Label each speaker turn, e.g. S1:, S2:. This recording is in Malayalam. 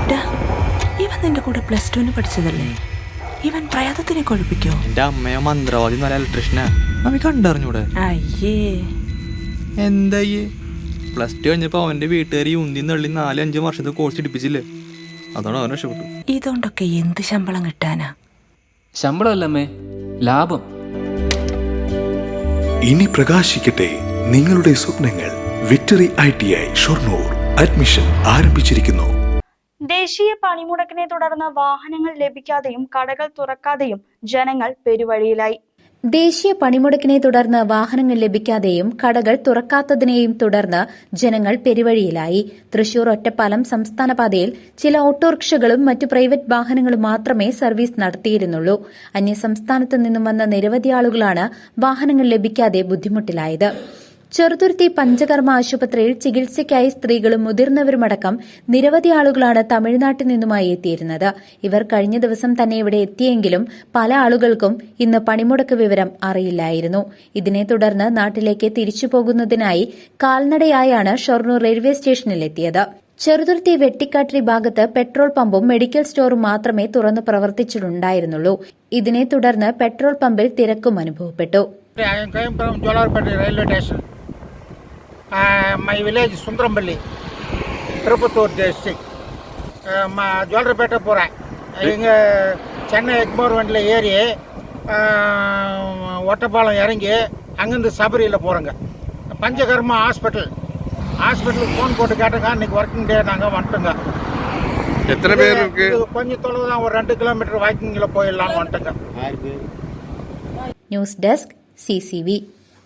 S1: ഇവൻ നിന്റെ കൂടെ +2 പഠിച്ചതല്ലേ? ഇവൻ പ്രയാതത്തിനെ കൊഴിപ്പിക്കോ?
S2: എന്റെ അമ്മയോ മന്ത്രവാദി നല്ല ഇലക്ട്രീഷ്യനാ. അവൻ കണ്ടറിഞ്ഞൂടെ?
S1: അയ്യേ
S2: എന്തായേ +2 കഴിഞ്ഞപ്പോ അവന്റെ വീട്ടുകാരി ഉന്തി നള്ളി 4-5 വർഷത്തെ കോഴ്സ് എടുപ്പിച്ചില്ലേ? അതാണ് അവൻ രക്ഷപ്പെട്ടു.
S1: ഇതുകൊണ്ടൊക്കെ എന്ത് ശമ്പളം കിട്ടാനാ?
S3: ശമ്പളമല്ലമ്മേ, ലാഭം.
S4: ഇനി പ്രകാശിക്കട്ടെ നിങ്ങളുടെ സ്വപ്നങ്ങൾ. വിക്ടറി ITI ഷൊർണൂർ അഡ്മിഷൻ ആരംഭിച്ചിരിക്കുന്നു.
S5: ദേശീയ പണിമുടക്കിനെ തുടർന്ന് വാഹനങ്ങൾ ലഭിക്കാതെയും കടകൾ തുറക്കാതെയും ജനങ്ങൾ പെരുവഴിയിലായി.
S6: ദേശീയ പണിമുടക്കിനെ തുടർന്ന് വാഹനങ്ങൾ ലഭിക്കാതെയും കടകൾ തുറക്കാത്തതിനെയും തുടർന്ന് ജനങ്ങൾ പെരുവഴിയിലായി. തൃശൂർ ഒറ്റപ്പാലം സംസ്ഥാന പാതയിൽ ചില ഓട്ടോറിക്ഷകളും മറ്റു പ്രൈവറ്റ് വാഹനങ്ങളും മാത്രമേ സർവീസ് നടത്തിയിരുന്നുള്ളൂ. അന്യസംസ്ഥാനത്തു നിന്നും വന്ന നിരവധി ആളുകളാണ് വാഹനങ്ങൾ ലഭിക്കാതെ ബുദ്ധിമുട്ടിലായത്. ചെറുതുരുത്തി പഞ്ചകർമ്മ ആശുപത്രിയിൽ ചികിത്സയ്ക്കായി സ്ത്രീകളും മുതിർന്നവരുമടക്കം നിരവധി ആളുകളാണ് തമിഴ്നാട്ടിൽ നിന്നുമായി എത്തിയിരുന്നത്. ഇവർ കഴിഞ്ഞ ദിവസം തന്നെ ഇവിടെ എത്തിയെങ്കിലും പല ആളുകൾക്കും ഇന്ന് പണിമുടക്ക് വിവരം അറിയില്ലായിരുന്നു. ഇതിനെ തുടർന്ന് നാട്ടിലേക്ക് തിരിച്ചു പോകുന്നതിനായി കാൽനടയായാണ് ഷൊർണൂർ റെയിൽവേ സ്റ്റേഷനിലെത്തിയത്. ചെറുതുരുത്തി വെട്ടിക്കാട്ടിരി ഭാഗത്ത് പെട്രോൾ പമ്പും മെഡിക്കൽ സ്റ്റോറും മാത്രമേ തുറന്നു പ്രവർത്തിച്ചിട്ടുണ്ടായിരുന്നുള്ളൂ. ഇതിനെ തുടർന്ന് പെട്രോൾ പമ്പിൽ തിരക്കും അനുഭവപ്പെട്ടു.
S7: My village Sundrampalli, Tirupattur district. ஜோல்ரப்பேட்டை போகிறேன். இங்கே சென்னை எக்மோர் வண்டியில் ஏறி ஒட்டப்பாலம் இறங்கி அங்கேருந்து சபரியில் போகிறோங்க. பஞ்சகர்மா ஹாஸ்பிட்டலுக்கு ஃபோன் போட்டு கேட்டங்க. இன்றைக்கி ஒர்க்கிங் டே, நாங்கள் வந்துட்டோங்க.
S8: எத்தனை பேர் இருக்கு?
S7: கொஞ்சம் தொலைவு தான், ஒரு 2 கிலோமீட்டர் வாக்கிங்கில் போயிடலான்னு வந்துட்டோங்க.
S6: News desk CCV.